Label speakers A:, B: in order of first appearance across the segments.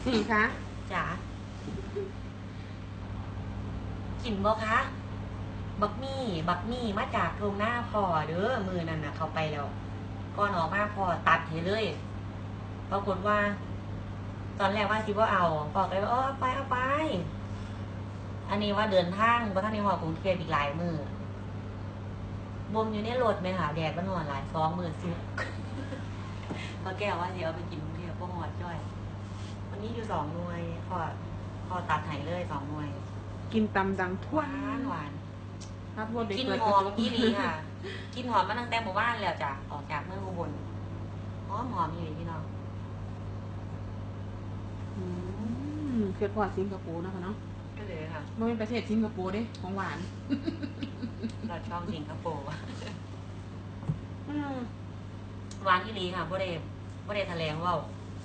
A: นี่คะ
B: จ๋ากินบ่คะบักมี่มาจากโรงหน้าพ่อเด้อมือนั่นน่ะเขาไปแล้วก่อนออกมาพ่อตัดให้เลยปรากฏว่า ตอนแรกว่าสิว่าเอาบอกเลยว่าเอาไปอันนี้ว่าเดินทางเพราะท่านในหอกรุงเทพอีกหลายมือบ่มอยู่ในรถไหมคะแดดมันหอนหลาย2 มื้อซุกพอแก้วว่าสิเอาไปกินกรุงเทพก็หอดจ้อยวันนี้อยู่2 หน่วยพอตัดไห้เลย2 หน่วย
A: กินตำดังทั่ว
B: หวาน
A: ครับ
B: กินหอมอีหลีค่ะ กินหอมมาตั้งแต่หมู่บ้านแล้วจ้ะออกจากเมืองอุบลหอมอีหลีพี่น้อง
A: เกิดพอสิงคโปร์นะคะเนาะ
B: ก็เลยค่ะ
A: ไม่เป็นประเทศสิงคโปร์ดิของหวาน
B: เราชอบสิงคโปร์หวานอีหลีค่ะบ่ได้แถลงว่า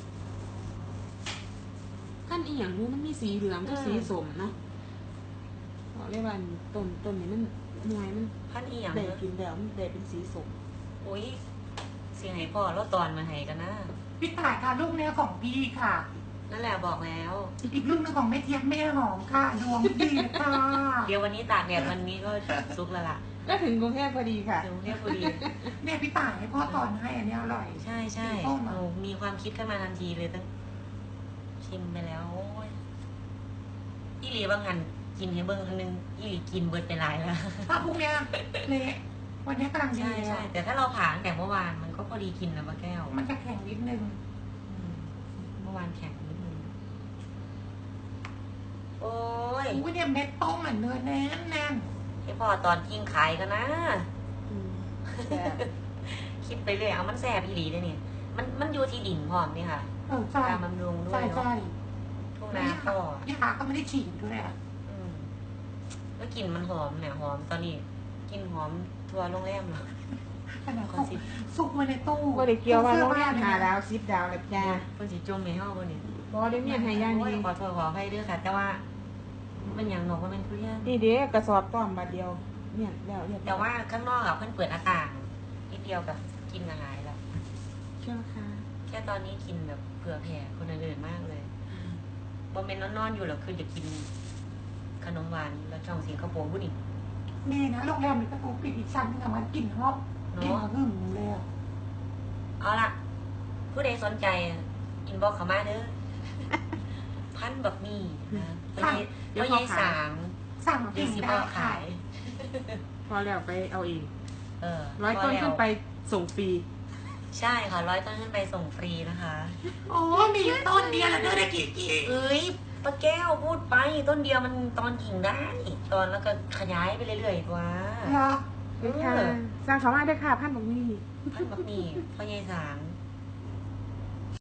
A: ขั้นอีหยังรู้มันมีสีเหลืองกับสีส้มเนาะบอกเลยว่าต้นนี้มันหน่วยมัน
B: ขั้นอีหยัง
A: ได้กินแล้วมันได้เป็นสีส้ม
B: โอ้ยเสียงไหนพ่อแล้วตอนมาให้กันนะ
C: พี่ต่ายค่ะลูกเนี้ยของพี่ค่ะ
B: นั่นแหละบอกแล้ว
C: อีกลูกนึงของแม่เทียบแม่หอมค่ะดวงดีค่ะ
B: เดี๋ยววันนี้ตากแดดวันนี้ก็ซุกแล้วล่ะ
A: ก็ถึงกรุงเทพพอดีค่ะ
B: ถึงกรุงเทพพอดี
C: เนี่ยพี่ต่ายให้พ่อตอนให้อันนี้อร่อย
B: ใช่มีความคิดขึ้นมาทันทีเลยตั้งชิมไปแล้วโอ้ยอีหลีบางหันกินให้เบิ้งครั้งนึงอีหลีกินเบิดไปหลายแล้ว
C: ถ้าพวกเนี้ยเละวันนี้กำลังดี
B: ใช่แต่ถ้าเราผ่าตั้งแต่เมื่อวานมันก็พอดีกินนะป้าแก้ว
C: มันจะแข็งนิดนึง
B: เมื่อวานแข็งนิดนึงโอ้ย
C: เนี่ยเม็ดต้มเหมือนเนื้อแน่น
B: ให้พ่อตอนกินขายกันนะคิดไปเลยเอามันแซ่บอีหลีเลยเนี่ยมันอยู่ที่ดินพร้อมนี่ค่ะ
C: ใช่
B: บำรุงด้วยเนาะทุกนาพ่
C: อยาก็ไม่ได้ฉีดด้วยอ่ะ
B: แล้วกลิ่นมันหอมเนี่ยหอมตอนนี้กินหอมทัวร์โรงแรมเหรอ
C: ขนาดซุกมาในตู้
A: ก็เลยเกี่ยวว่าโรงแรม5 ดาว10 ดาวเลยจ้า
B: คนสิจมในห้องคนนี้
A: บอได้เมียนให้ย่างดี
B: ขอโทษขอให้ด้วยค่ะแต่ว่ามันอย่างหนอกว่าเป็นทุเรียน
A: นี่เด็กกระสอบต้อมบาทเดียวเนี่ยแล้ว
B: แต่ว่าข้างนอกอะเพิ่นเปิดหน้าต่างนิดเดียวกับกินอาหารแล้ว
A: ใช่ไหมคะ
B: แค่ตอนนี้กินแบบเผื่อแผ่คนอื่นมากเลยบอมเมนนอนอยู่หรอกคือจะกินขนมหวานแล้วช่องสิงคโปร์พูดอีก
C: นี่นะโรงแรมมีประตูปิดอีกชั้นนึงมันกลิ่นหอมกลิ่นหึ่งเลย
B: เอาล่ะผู้ใดสนใจอินบ็อกเข้ามาเด้อพันแบบมีนะเดี๋ยวยี่
C: สั่ง
B: เดี๋ยวสิบขาย
A: พอแล้วไปเอาเอง
B: 100
A: ต้นขึ้นไปส่งฟรี
B: ใช่ค่ะ100 ต้นขึ้นไปส่งฟรีนะคะ
C: โอ้มีต้นเดียวแล้วเด้อได้กี่
B: เอ้ยป้าแก้วพูดไปต้นเดียวมันตอนกิ่งได้ตอนแล้วก็ขยายไปเรื่อยๆกว่า
C: เหรอ
A: ค่ะสร้างเขามาได้ค่ะพันบะหมี่
B: พ่อใหญ่สาง